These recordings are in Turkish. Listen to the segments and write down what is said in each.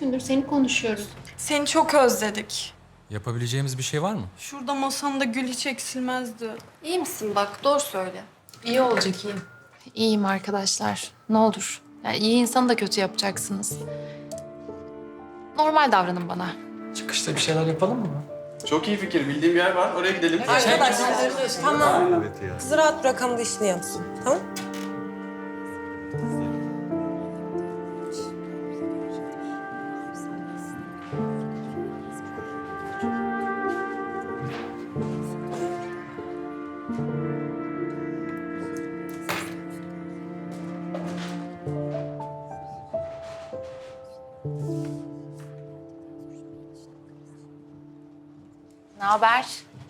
gündür seni konuşuyoruz. Seni çok özledik. Yapabileceğimiz bir şey var mı? Şurada masanda gül hiç eksilmezdi. İyi misin bak? Doğru söyle. İyi olacak iyi. İyiyim arkadaşlar. Ne olur. Yani iyi insanı da kötü yapacaksınız. Normal davranın bana. Çıkışta bir şeyler yapalım mı? Çok iyi fikir. Bildiğim bir yer var. Oraya gidelim. Arkadaşlar tamam. Kızı rahat bırakalım da işini yapsın. Tamam? Ne haber?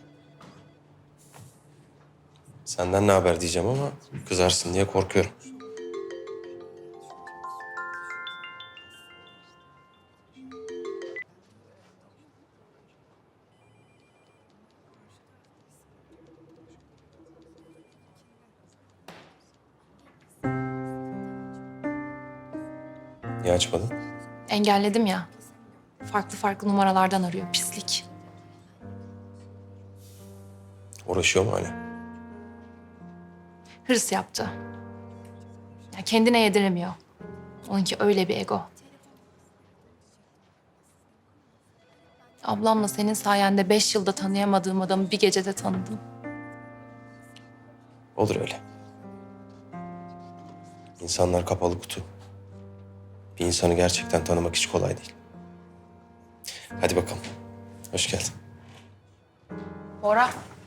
Senden ne haber diyeceğim ama kızarsın diye korkuyorum. Niye açmadın? Engelledim ya. Farklı farklı numaralardan arıyor. Pislik. Uğraşıyor mu hala? Hırs yaptı. Ya kendine yediremiyor. Onunki öyle bir ego. Ablamla senin sayende 5 yılda tanıyamadığım adamı bir gecede tanıdım. Olur öyle. İnsanlar kapalı kutu. Bir insanı gerçekten tanımak hiç kolay değil. Hadi bakalım. Hoş geldin. Bora.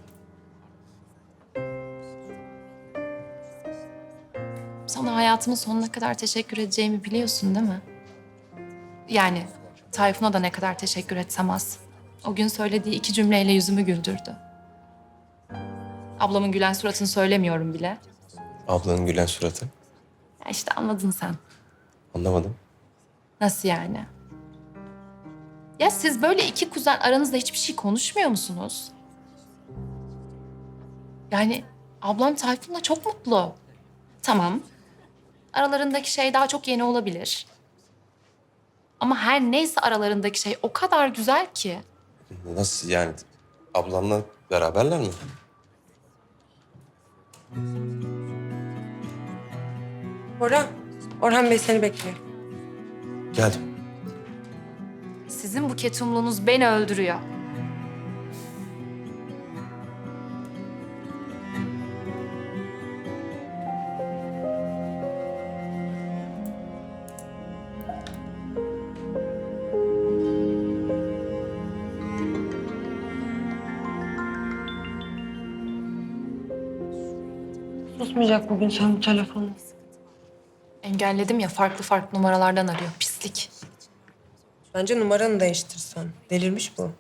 Sana hayatımın sonuna kadar teşekkür edeceğimi biliyorsun değil mi? Yani Tayfun'a da ne kadar teşekkür etsem az. O gün söylediği 2 cümleyle yüzümü güldürdü. Ablamın gülen suratını söylemiyorum bile. Ablanın gülen suratı. Ya işte anladın sen. Anlamadım. Nasıl yani? Ya siz böyle 2 kuzen aranızda hiçbir şey konuşmuyor musunuz? Yani ablam Tayfun'la çok mutlu. Tamam. Aralarındaki şey daha çok yeni olabilir. Ama her neyse aralarındaki şey o kadar güzel ki. Nasıl yani? Ablanla beraberler mi? Orhan Bey seni bekliyor. Geldim. Sizin bu ketumluğunuz beni öldürüyor. Susmayacak bugün sen bu telefonu. Engelledim ya farklı farklı numaralardan arıyor. Pislik. Bence numaranı değiştirsen. Delirmiş bu.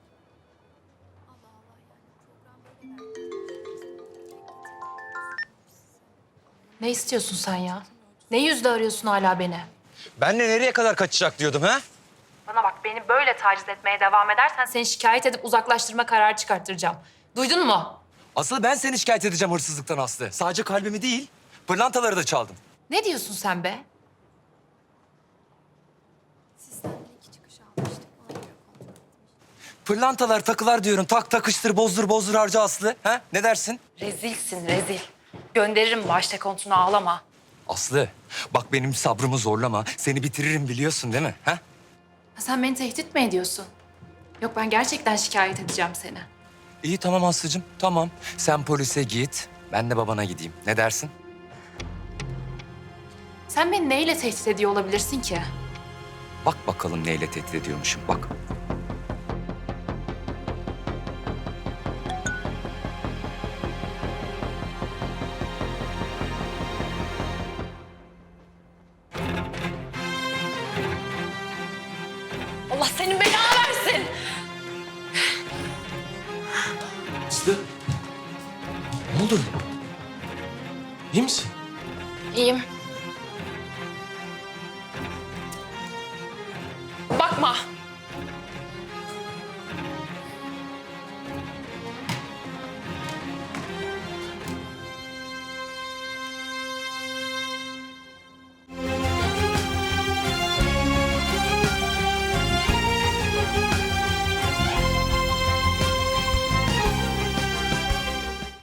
Ne istiyorsun sen ya? Ne yüzle arıyorsun hala beni? Ben de nereye kadar kaçacak diyordum ha? Bana bak beni böyle taciz etmeye devam edersen seni şikayet edip uzaklaştırma kararı çıkarttıracağım. Duydun mu? Asıl ben seni şikayet edeceğim hırsızlıktan Aslı. Sadece kalbimi değil, pırlantaları da çaldım. Ne diyorsun sen be? Pırlantalar, takılar diyorum. Tak takıştır, bozdur bozdur harca Aslı. Ha? Ne dersin? Rezilsin rezil. Gönderirim başta kontunu ağlama. Aslı, bak benim sabrımı zorlama. Seni bitiririm biliyorsun değil mi? Ha? Ha, sen beni tehdit mi ediyorsun? Yok ben gerçekten şikayet edeceğim seni. İyi tamam Aslı'cığım, tamam. Sen polise git, ben de babana gideyim. Ne dersin? Sen beni neyle tehdit ediyor olabilirsin ki? Bak bakalım neyle tehdit ediyormuşum, bak. Allah senin belanı versin. Aslı. Ne oldu? İyi misin? İyiyim. Bakma.